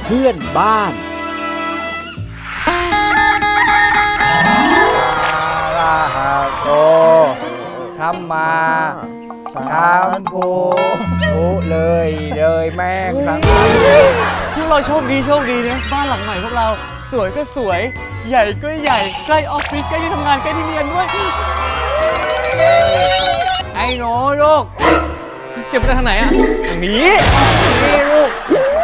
เพื่อนบ้านอะระหะโตธัมมาสัมพุทโธเลยแม่งทั้งนั้นพวกเราโชคดีนะบ้านหลังใหม่พวกเราสวยก็สวยใหญ่ก็ใหญ่ใกล้ออฟฟิศใกล้ที่ทำงานใกล้ที่เรียนด้วยไอ้หนูลูกเสียบไปทางไหนอ่ะทางนี้ลูก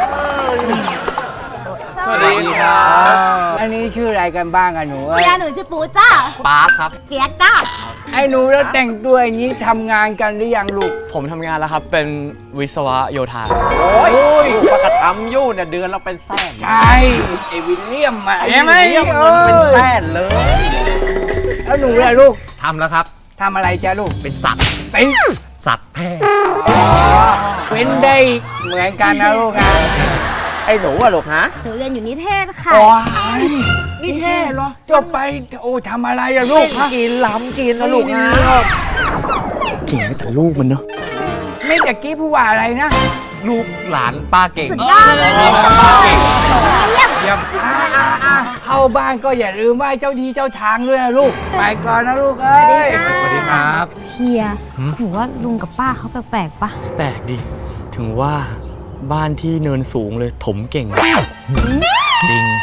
สวัสดีครับอันนี้ชื่ออะไรกันบ้างอะหนูเมียหนูชื่อปูจ้าปาร์คครับเปียกจ้าไอ้หนูแล้วแต่งตัวอย่างนี้ทำงานกันหรือยังลูกผมทำงานแล้วครับเป็นวิศวะโยธาโอ้ยปกติทำยู่เนี่ยเดือนเราเป็นแสนใช่ไอ้วิลเลียมอะไอ้วิลเลียมเงินเป็นแสนเลยแล้วหนูล่ะลูกทำแล้วครับทำอะไรจ้ะลูกเป็นสัตว์เป็นสัตว์แพทย์เป็นได้เหมือนกันนะลูกนะไอ้หนูอะลูกฮะหนูเรียนอยู่นิเทศค่ะนี่แค่เหรอจบไปโอ้ทำอะไรอะลูกฮะกินล้ำกินนะลูกฮะเก่งแต่ลูกมันเนาะไม่ตะกี้พูดว่าอะไรนะลูกหลานป้าเก่งสุดยอดเลยป้าเก่งเยี่ยมเยี่ยมเข้าบ้านก็อย่าลืมไหว้เจ้าที่เจ้าทางด้วยนะลูกไปก่อนนะลูกเอ้ยสวัสดีครับเฮียหนูว่าลุงกับป้าเขาแปลกๆปะแปลกดิถึงว่าบ้านที่เนินสูงเลยถมเก่งจริง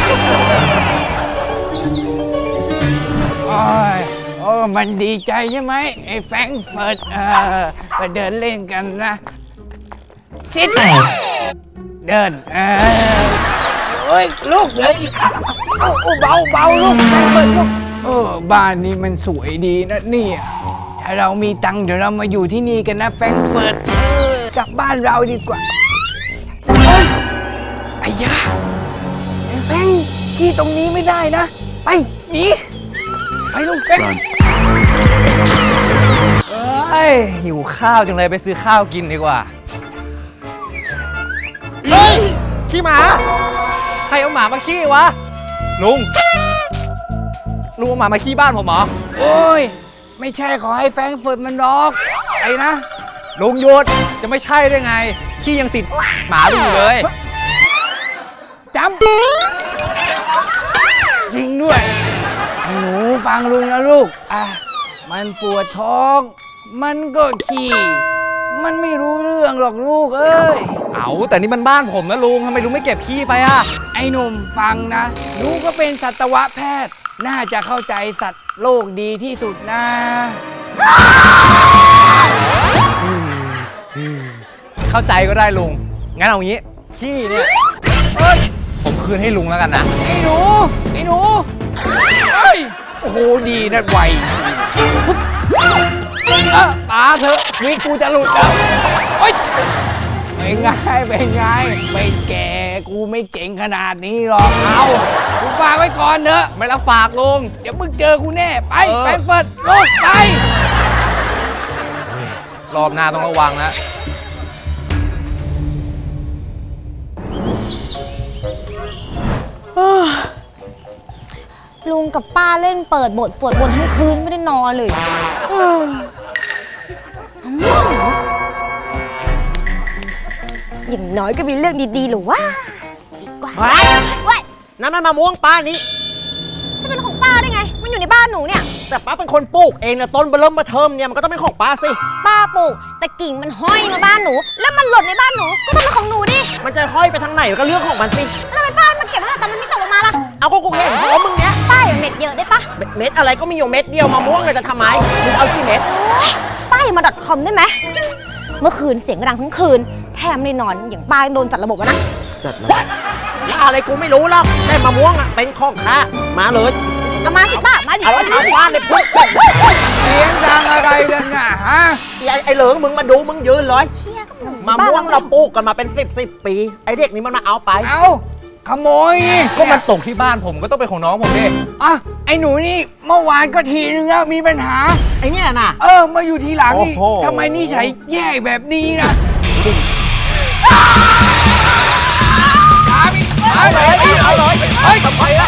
โอ้มันดีใจใช่ไหมไอ้แฟรงก์เฟิร์ตไปเดินเล่นกันนะชิดเดินโอ้ยลูกเลยเบาลูกแฟรงก์เฟิร์ตลูกบ้านนี้มันสวยดีนะเนี่ยถ้าเรามีตังค์เดี๋ยวเรามาอยู่ที่นี่กันนะแฟรงก์เฟิร์ตกลับบ้านเราดีกว่าไอ้ยาไอ้แฟรงก์ที่ตรงนี้ไม่ได้นะไปหนีไปลูกแฟรงก์หิวข้าวจังเลยไปซื้อข้าวกินดีกว่าเฮ้ยขี้หมาใครเอาหมามาขี้วะลุงเอาหมามาขี้บ้านผมเหรอโอ้ยไม่ใช่ขอให้แฟรงก์เฟิร์ตมันดอกไอ้นะลุงหยุดจะไม่ใช่ได้ไงขี้ยังติดหมาลุงอยู่เลยจำจริงด้วยไอ้หนูฟังลุงนะลูกมันปวดท้องมันก็ขี้มันไม่รู้เรื่องหรอกลูกเอ้ยแต่นี่มันบ้านผมนะลุงทำไมลุงไม่เก็บขี้ไปอ่ะไอ้หนุ่มฟังนะลุงก็เป็นสัตวแพทย์น่าจะเข้าใจสัตว์โลกดีที่สุดนะเข้าใจก็ได้ลุงงั้นเอางี้ขี้เนี่ยผมคืนให้ลุงแล้วกันนะไอ้หนูเฮ้ยโอ้โหดีนะไวตาเถอะวิกูจะหลุดแล้วเป็นไงไม่แก่กูไม่เก่งขนาดนี้หรอกกูฝากไว้ก่อนเถอะไม่รับฝากลุงเดี๋ยวมึงเจอกูแน่ไปแฟรงก์เฟิร์ตลูกไปรอบหน้าต้องระวังนะลุงกับป้าเล่นเปิดบทสวดบนต์ทั้งคืนไม่ได้นอนเลยอย่างน้อยก็มีเรื่องดีๆหรือว่าดีกว่านั่นมันมะม่วงป้านี้จะเป็นของป้าได้ไงมันอยู่ในบ้านหนูเนี่ยแต่ป้าเป็นคนปลูกเองนะต้นเริ่มมาเทิมเนี่ยมันก็ต้องเป็นของป้าสิป้าปลูกแต่กิ่งมันห้อยมาบ้านหนูแล้วมันหล่นในบ้านหนูก็ต้องเป็นของหนูดิมันจะห้อยไปทางไหนก็เรื่องของมันสิแล้วทำไมป้ามาเก็บไว้แต่มันไม่ตกลงมาล่ะเอาก็กูเห็นเพราะมึงเนี้ยป้าอย่าเม็ดเยอะได้ปะเม็ดอะไรก็มีอยู่เม็ดเดียวมะม่วงเลยจะทำไมมึงเอากี่เม็ดป้าอย่ามา .com ได้ไหมเมื่อคืนเสียงดังทั้งคืนแถมในนอนอย่างป้าโดนจัดระบบนะจัดระบบอะไรกูไม่รู้หรอกแต่มะม่วงอ่ะเป็นของข้ามาเลยเอามาสิป้ามาดิเอาทำบ้านเลยปุ๊บเสียงดังอะไรกันน่ะฮะไอ้เหลิงมึงมาดูมึงยืนเลยมะม่วงเราปลูกกันมาเป็น10 ปีไอ้เด็กนี้มันมาเอาไปขโมยก็มันตกที่บ้านผมก็ต้องเป็นของน้องผมดิไอ้หนูนี่เมื่อวานก็ทีนึงแล้วมีปัญหาไอ้เนี่ยน่ะมาอยู่ทีหลังนี่ทำไมนิสัยแย่แบบนี้นะเอาเลยทำไมล่ะ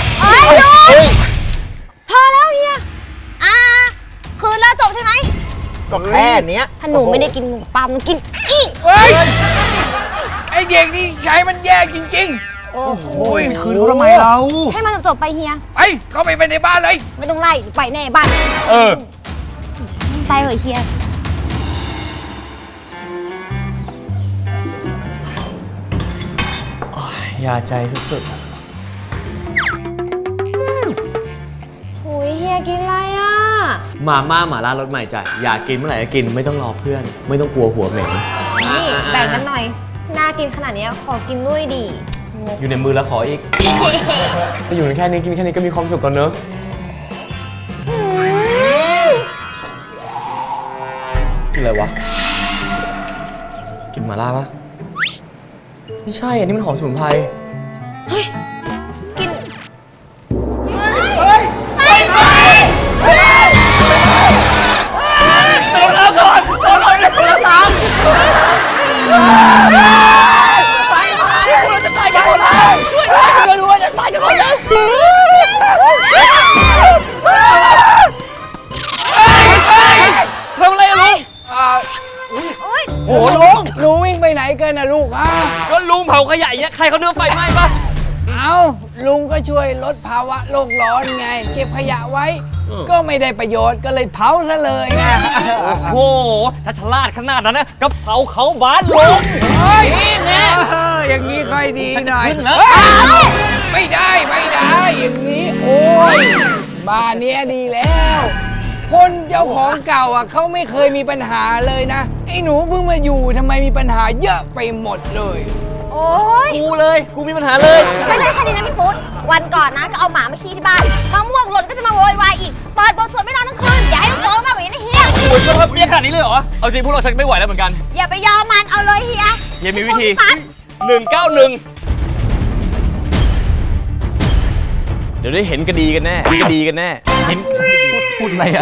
พอแล้วเฮียคืนแล้วจบใช่ไหมก็แค่เนี้ยถ้าหนูไม่ได้กินหนูปาล์มกินไอ้เด็กนี่ใจมันแย่จริงๆโอ้โหคืนเขาทำไมเราให้มันจบๆไปเฮียไปเข้าไปในบ้านเลยไม่ต้องไล่ไปแน่บ้าน ไปเถอะเฮียยาใจสุดหุยเฮียกินอะไรอ่ะๆมาม่าหม่าล่ารสใหม่จ้ะอยากกินเมื่อไหร่ก็กินไม่ต้องรอเพื่อน ไม่ต้องกลัวหัวเหม็นนี่แบ่งกันหน่อย น่ากินขนาดนี้ขอกินด้วยดิงกอยู่ในมือแล้วขออีกถ้าอยู่แค่นี้กินแค่นี้ก็มีความสุขก่อนเนอะกินอะไรวะ กินหม่าล่าปะไม่ใช่อันนี้มันหอมสมุนไพรกินทำอะไรอะลุงโอ้ลุงลุงวิ่งไปไหนกันนะลูกอ่ะก็ลุงเผาขยะอย่างเงี้ยใครเขาเนื้อไฟไหม้ปะเอาลุงก็ช่วยลดภาวะโลกร้อนไง เก็บขยะไว้ ก็ไม่ได้ประโยชน์ก็เลยเผาซะเลยไงโอ้โหถ้าฉลาดขนาดนั้นนะก็เผาเขาบ้านลุงเฮ้ยอย่างนี้ค่อยดีหน่อยขึ้นแล้วไม่ได้อย่างนี้ โอ้ยบ้านเนี้ยดีแล้ว คนเจ้าของเก่าอ่ะเขาไม่เคยมีปัญหาเลยนะ ไอ้หนูเพิ่งมาอยู่ทำไมมีปัญหาเยอะไปหมดเลยโอ้ยกูเลย กูมีปัญหาเลยไม่ใช่แค่นี้นะพี่ปุ๊ดวันก่อนนะก็เอาหมามาขี้ที่บ้านมะม่วงหล่นก็จะมาโวยวายอีก เปิดบทสวดไม่นอนทั้งคืน อย่าให้ต้องร้องมากกว่านี้นะเฮียโอ้ยครับเรียกขนาดนี้เลยเหรอ เอาจริงพวกเราชักไม่ไหวแล้วเหมือนกันอย่าไปยอมมันเอาเลยเฮียเฮียมีวิธีปัด 191 เดี๋ยวได้เห็นกระดีกันแน่กระดีกันแน่เห็นพูดอะไรอ่ะ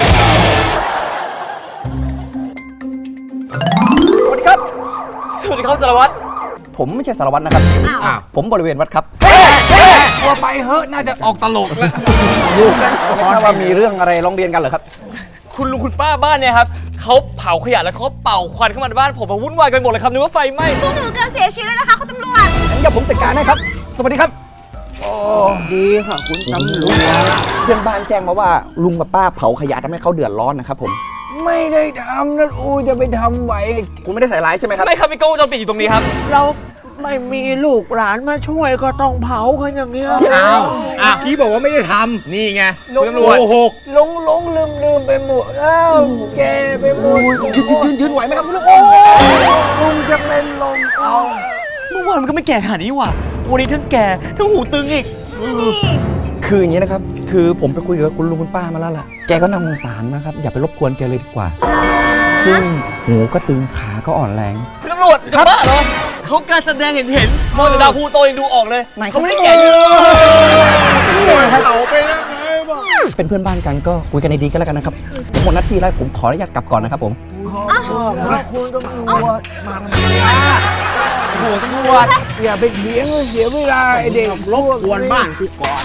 สวัสดีครับสวัสดีครับสารวัตรผมไม่ใช่สารวัตรนะครับอ้าวผมบริเวณวัดครับตัวไปเฮ้อะน่าจะออกตลกแล้วลูกไม่ทราบว่ามีเรื่องอะไรร้องเรียนกันเหรอครับคุณลุงคุณป้าบ้านเนี่ยครับเขาเผาขยะแล้วเขาเป่าควันเข้ามาในบ้านผมมาวุ่นวายกันหมดเลยครับนึกว่าไฟไหม้พวกหนูเกิดเสียชีวิตแล้วนะคะคุณตำรวจงั้นเดี๋ยวผมจัดการให้ครับ สวัสดีครับ ดีค่ะคุณตำรวจเพื่อนบ้านแจ้งมาว่าลุงกับป้าเผาขยะทำให้เขาเดือดร้อนนะครับผมไม่ได้ทำนั่นอูจะไปทำไหวคุณไม่ได้ใส่ร้ายใช่ไหมครับไม่ครับมีกล้องวงจรปิดอยู่ตรงนี้ครับเราไม่มีลูกหลานมาช่วยก็ต้องเผากันอย่างเนี้ยอ้าวกี้บอกว่าไม่ได้ทำนี่ไงคุณตำรวจลงลืมไปหมดแล้วแกไปหมดยืนไหวไหมครับคุณลุงลุงจะเป็นลมเอาเมื่อวานมันก็ไม่แก่ขนาดนี้ว่ะวันนี้ทั้งแก่ทั้งหูตึงอีกคืออย่างนี้นะครับ คือผมไปคุยกับคุณลุงคุณป้ามาแล้วล่ะ แกก็น่าสงสารนะครับ อย่าไปรบกวนแกเลยดีกว่า ซึ่งหูก็ตึงขาก็อ่อนแรงคุณตำรวจจะบ้าเหรอเขาการแสดงเห็นมองแต่ดาวพูโตยังดูออกเลยไหนเขาไม่ได้แก่ยืนเขาไปแล้วไงบ้างเป็นเพื่อนบ้านกันก็คุยกันดีๆก็แล้วกันนะครับผมหมดหน้าที่แล้วผมขออนุญาตกลับก่อนนะครับผมคุณตำรวจมาหัวตำรวจอย่าไปเถียงเสียเวลาไอเด็กรบกวนบ้านกูก่อน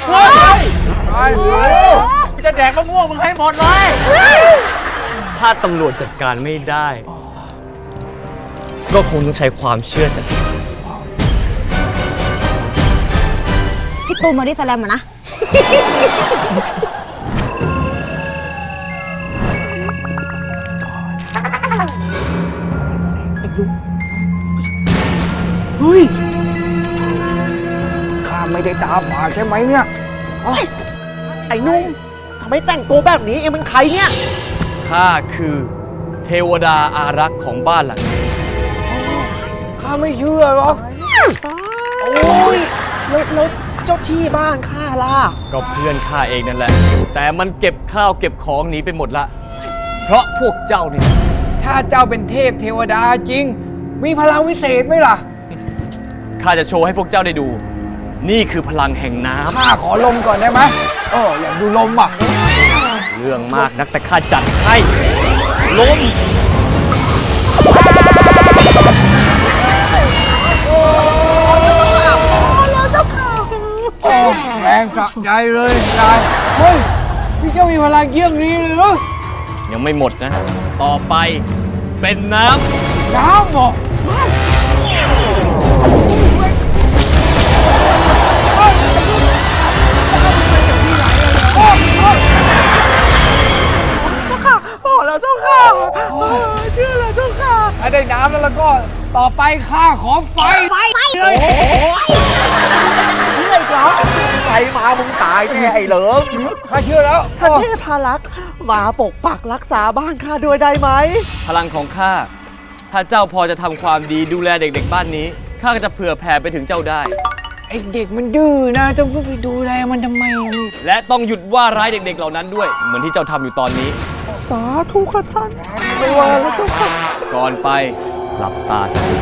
จะแดกมะม่วงมึงให้หมดเลย ถ้าตำรวจจัดการไม่ได้ ก็คงต้องใช้ความเชื่อจากพี่ตูนมาดิสแลมมานะข้าไม่ได้ตาฝาดใช่ไหมเนี่ยไอ้นุ่มทำไมแต่งตัวแบบนี้เองเป็นใครเนี่ยข้าคือเทวดาอารักษ์ของบ้านหลังนี้ข้าไม่เชื่อหรอกโอ้ยแล้วเจ้าที่บ้านข้าล่ะก็เพื่อนข้าเองนั่นแหละ แต่มันเก็บข้าวเก็บของหนีไปหมดละ เพราะพวกเจ้านี่ถ้าเจ้าเป็นเทพเทวดาจริง มีพลังวิเศษไหมล่ะข้าจะโชว์ให้พวกเจ้าได้ดู นี่คือพลังแห่งน้ข้าขอลมก่อนได้ไหมอยากดูลมอ่ะำ เรื่องมากนักแต่ข้าจัดให้ ลมแรงสะใจเลยยายเฮ้ย พี่เจ้ามีพลังเยี่ยงนี้เลยเหรอยังไม่หมดนะ ต่อไปเป็นน้ำน้ำเหรอถ้าได้น้ำแล้วก็ต่อไปข้าขอไฟไฟเลยเชื่ออีกเหรอใครมามึงตายแน่ไอ้เหลิมข้าเชื่อแล้วท่านเทพารักษ์มาปกปักรักษาบ้านข้าด้วยได้ไหมพลังของข้า ถ้าเจ้าพอจะทำความดีดูแลเด็กๆบ้านนี้ ข้าก็จะเผื่อแผ่ไปถึงเจ้าได้ไอเด็กมันดื้อนะเจ้าเพิ่งไปดูแลมันทำไมและต้องหยุดว่าร้ายเด็กๆเหล่านั้นด้วย เหมือนที่เจ้าทำอยู่ตอนนี้สาธุค่ะท่านไม่ว่าแล้วเจ้าค่ะก่อนไปหลับตาสักที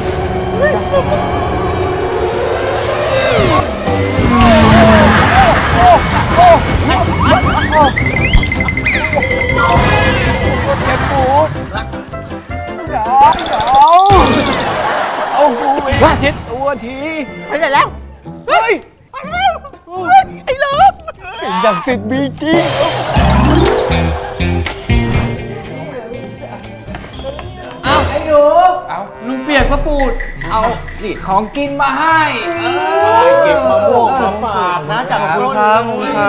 เจ็บปวดหนาวเอาหูไปเช็ดตัวทีไปไหนแล้วเฮ้ยไปแล้วไอ้เหลิมสิ่งศักดิ์สิทธิ์มีจริงลุงเปียกพระปูดเอาของกินมาให้เก็บมะม่วงมาฝากนะจากคุณครับ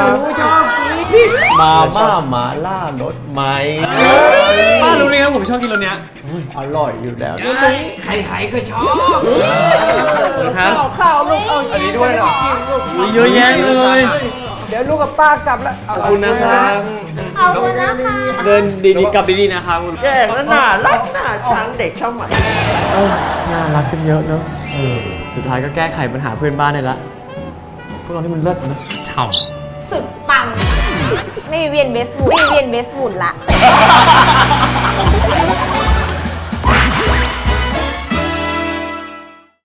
มาม่าหมาล่ารสไหมป้ารู้ไหมครับผมชอบกินรสเนี้ยอร่อยอยู่แล้วใครๆก็ชอบครับข้าวลูกเอาอันนี้ด้วยเหรอเยอะแยะเลยเดี๋ยวลูกกับป้ากลับแล้วขอบคุณนะครับเอาคุณนะคะเดินดีๆกลับดีๆนะครับคุณแก่แล้วน่ารักน่าชังเด็กเข้าใหม่น่ารักกันเยอะเนอะสุดท้ายก็แก้ไขปัญหาเพื่อนบ้านได้ละพวกเรานี่มันเลิศนะฉ่ำสุดปัง ไม่มีเวียนเบสบุนไม่มีเวียนเบสบุนละ